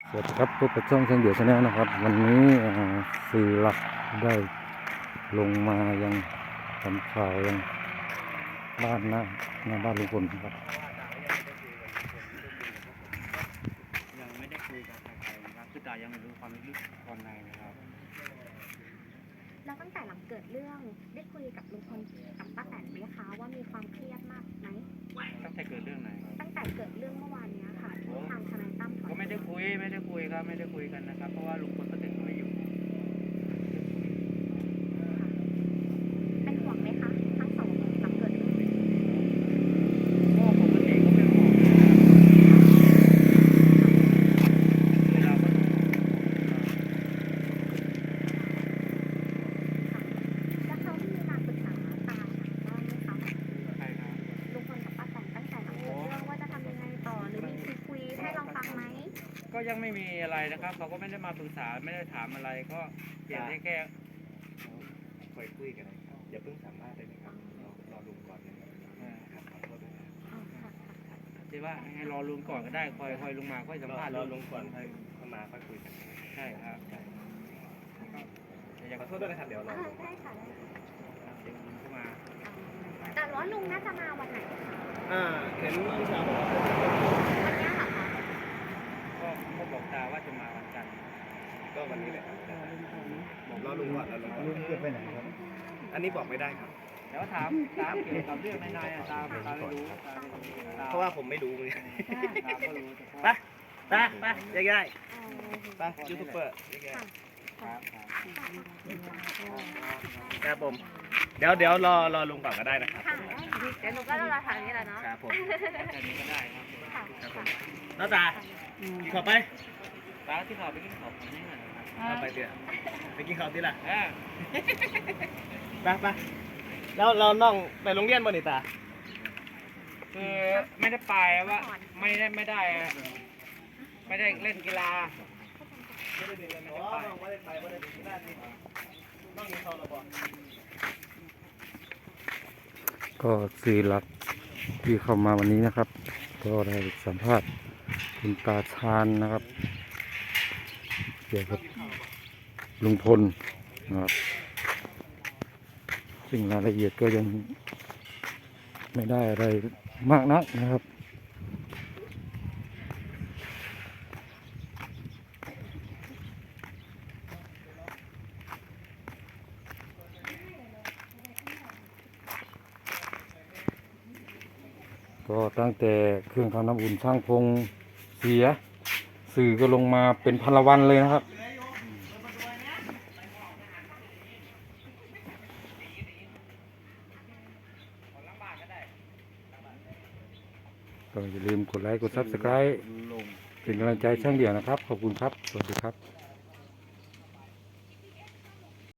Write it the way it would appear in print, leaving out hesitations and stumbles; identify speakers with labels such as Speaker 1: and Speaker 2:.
Speaker 1: สวัสดีครับพบกับช่องเชียงเดี่ยวชาแนลนะครับวันนี้สื่อหลักได้ลงมายังทำข่าวยังบ้านหน้าบ้านลุงพลนะครับ
Speaker 2: ยังไม่ได้คุยกับใครนะครับคือตายังไม่รู้ความลึกตอนในนะครับ
Speaker 3: แล้วตั้งแต่หลังเกิดเรื่องได้คุยกับลุงพลกับป้าแตนไหมคะว่ามีความเครียดมากไหม
Speaker 2: ตั้งแต่เกิดเรื่องไหน
Speaker 3: ตั้งแต่เกิดเรื่องเมื่อวานนี้ค่ะที่ทางทนายตั้ม
Speaker 2: ก็ไม่ได้คุยครับไม่ได้คุยกันนะครับเพราะว่าลุงพลก็ติดไม่อยู่
Speaker 3: เป็นห่วงไหมคะทั้งสองหลังเกิดเรื่อง
Speaker 2: ก็ปกติก็เป็นห่วงเวลาก็
Speaker 3: แล้วเขามีมาปรึกษาตาบ้างไหมคะ
Speaker 2: ใครครับ
Speaker 3: ลุงพลกับป้าแตนตั้งแต่หลังเกิดเรื่องว่าจะทำยังไงต่อหรือมีคุยให้เราฟังไหม
Speaker 2: ก็ยังไม่มีอะไรนะครับเขาก็ไม่ได้มาปรึกษาไม่ได้ถามอะไรก็เพียงแค่
Speaker 4: คุยกันนะครับอย่าเพิ่งสามารถเลยนะครับรอลุงก่อนนะครับขอโทษด้วยนะ
Speaker 2: ที่ว่าให้รอลุงก่อนก็ได้คอยลุงมาค่อยสัมภาษณ์
Speaker 4: รอลุงก่อนค่อยเข้ามาค่อยคุยกัน
Speaker 2: ใช่ครับใช่
Speaker 4: อย่าขอโทษด้วยนะครับเดี๋ยวรอลุง
Speaker 3: ได้ค่ะได้
Speaker 2: เดี๋ยวลุงเข้ามา
Speaker 3: แต่ว่าลุงน่าจะมาวันไหนคะ
Speaker 4: เห็นพี่ชาวบอกว่า
Speaker 3: วันนี้เหรอคะ
Speaker 2: ก็บอกตาว่าจะมาวันจันทร์
Speaker 4: ก็วันนี้แหละครับรอลุงก่อนลุงจะไปไหนครับอันนี้บอกไม่ได้ครับ
Speaker 2: แต่ว่าถามเกี่ยวกับเรื่องในตาไม่รู้
Speaker 4: เพราะว่าผมไม่รู้เลย
Speaker 2: ตาก็รู้
Speaker 4: ไปง่ายๆไปยูทูบเบอร์ง่ายๆครับผมเดี๋ยวรอลุงก่อนก็ได้นะครับ
Speaker 3: ค่ะเดี๋ยวหนูก็รอทางนี้แหละเนาะ
Speaker 4: ครับผม
Speaker 2: จะมีก็ได้ครับ
Speaker 3: ค่ะ
Speaker 4: ครับผมน้าตากินข้าวไป
Speaker 2: ตาที่เขาไปกินข้าวผมนี่นะครับ
Speaker 4: เอาไปเดี๋ยวไปกินข้าวที่ละ ไปแล้วเราน้องไปโรงเรียนบ่นี่ตา
Speaker 2: คือไม่ได้ไปว่าไม่ได้เล่นกีฬา
Speaker 1: ก็สื่อหลักที่เข้ามาวันนี้นะครับก็ได้สัมภาษณ์คุณตาชาญนะครับเกี่ยวกับลุงพลนะครับซึ่งรายละเอียดก็ยังไม่ได้อะไรมากนักนะครับก็ตั้งแต่เครื่องทำน้ำอุ่นช่างพงเสียสื่อก็ลงมาเป็นพันละวันเลยนะครับก็อย่าลืมกดไลค์กด Subscribe เป็นกำลังใจช่างเดี่ยวนะครับขอบคุณครับสวัสดีครับ